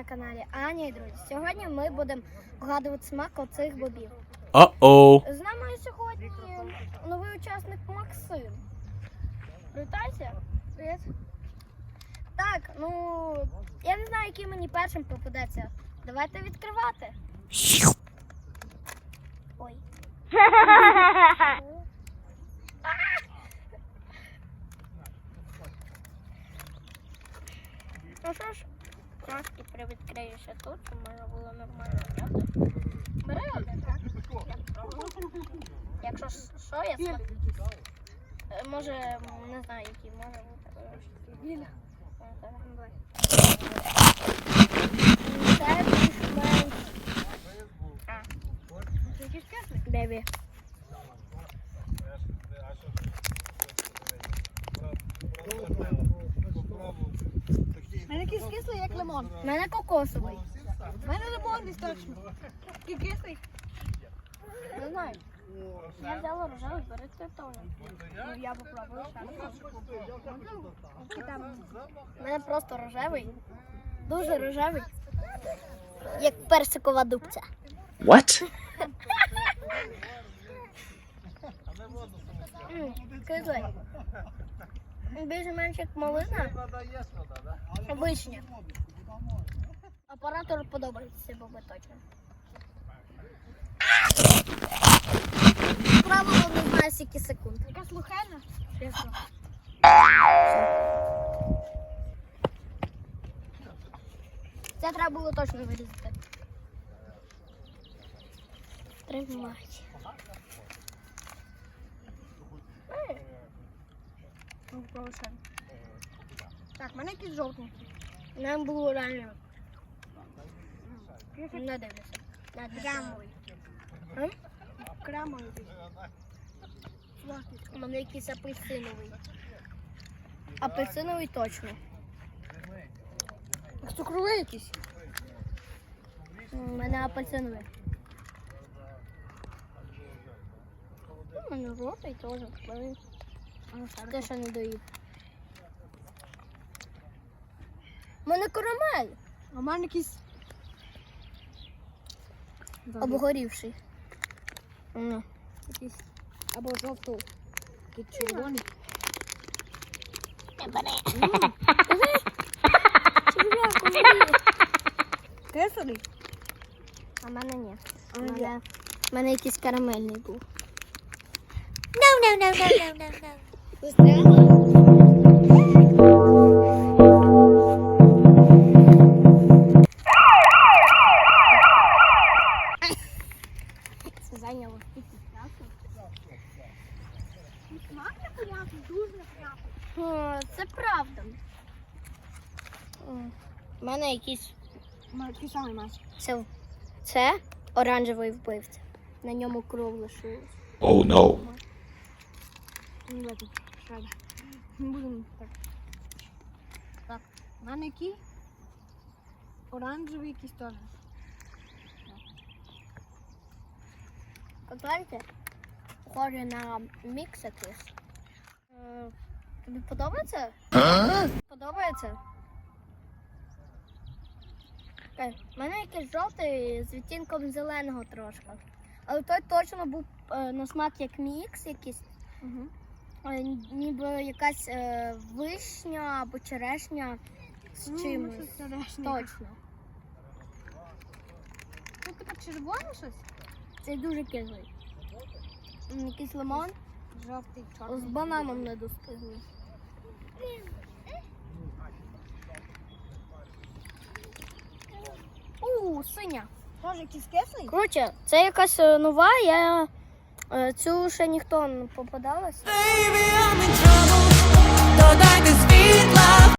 на каналі Аня і друзі. Сьогодні ми будемо вгадувати смак оцих бобів. Uh-oh. З нами сьогодні новий учасник Максим. Привітайся. Привіт. Так, я не знаю, який мені першим попадеться. Давайте відкривати. Ой. Ну що ж, трошки привідкриюся тут, щоб можна було нормально взяти. Бери один, так? Якщо що, я смак. Може, не знаю, який може бути. Ліля. Це більш-менш. Це якийсь кислий? Бебі. У мене якийсь кислий, як лимон. У мене кокосовий. У мене лимон десь точно. Такий кислий. Не знаю. Я взяла рожевий, бери ти теж. Ну, я попробую. У мене просто рожевий. Дуже рожевий. Як персикова дубця. What? Кислий. Більше-менш як малина. Вишня. Оператору подобається ці боби точно. Правило не знаю скільки секунд. Яка слухельна? Чесно. Це треба було точно вирізати. Тримать. Ну, попробуй ще. Так, в мене якийсь жовтий. Нам було реально. Не дивлюся. Кремовий. М? Кремовий. У мене якийсь апельсиновий. Апельсиновий точно. Цукровий якийсь. У мене апельсиновий. У мене жовтий теж. Те, що не доїв. У мене карамель. А в мене якийсь... Обгорівший. Якийсь або жовтий, якийсь червоний. Кислий? А в мене ні. А У я. мене якийсь карамельний був. Це зайняло. Смак неприятний, дуже неприятний. Це правда. У мене якийсь. У мене такий самий мать. Це оранжевий вбивця. На ньому кров лишилась. Oh no. Не в этом. Шрада. Не будемо так. Так, в мене який? Оранжевий якийсь теж. Знаєте, похоже на мікс якийсь. Тобі подобається? Подобається? У мене якийсь жовтий з відтінком зеленого трошки. Але той точно був на смак як мікс якийсь. Ніби якась вишня або черешня з чимось. Точно. Це типа червоне щось? Це дуже кислий. Якийсь лимон Жовтий, з чорний. бананом не достигли. Синя. Теж якийсь кислий? Коротше, це якась нова, я цю ще ніхто не попадалась. Baby, I'm in trouble. Додайте світла.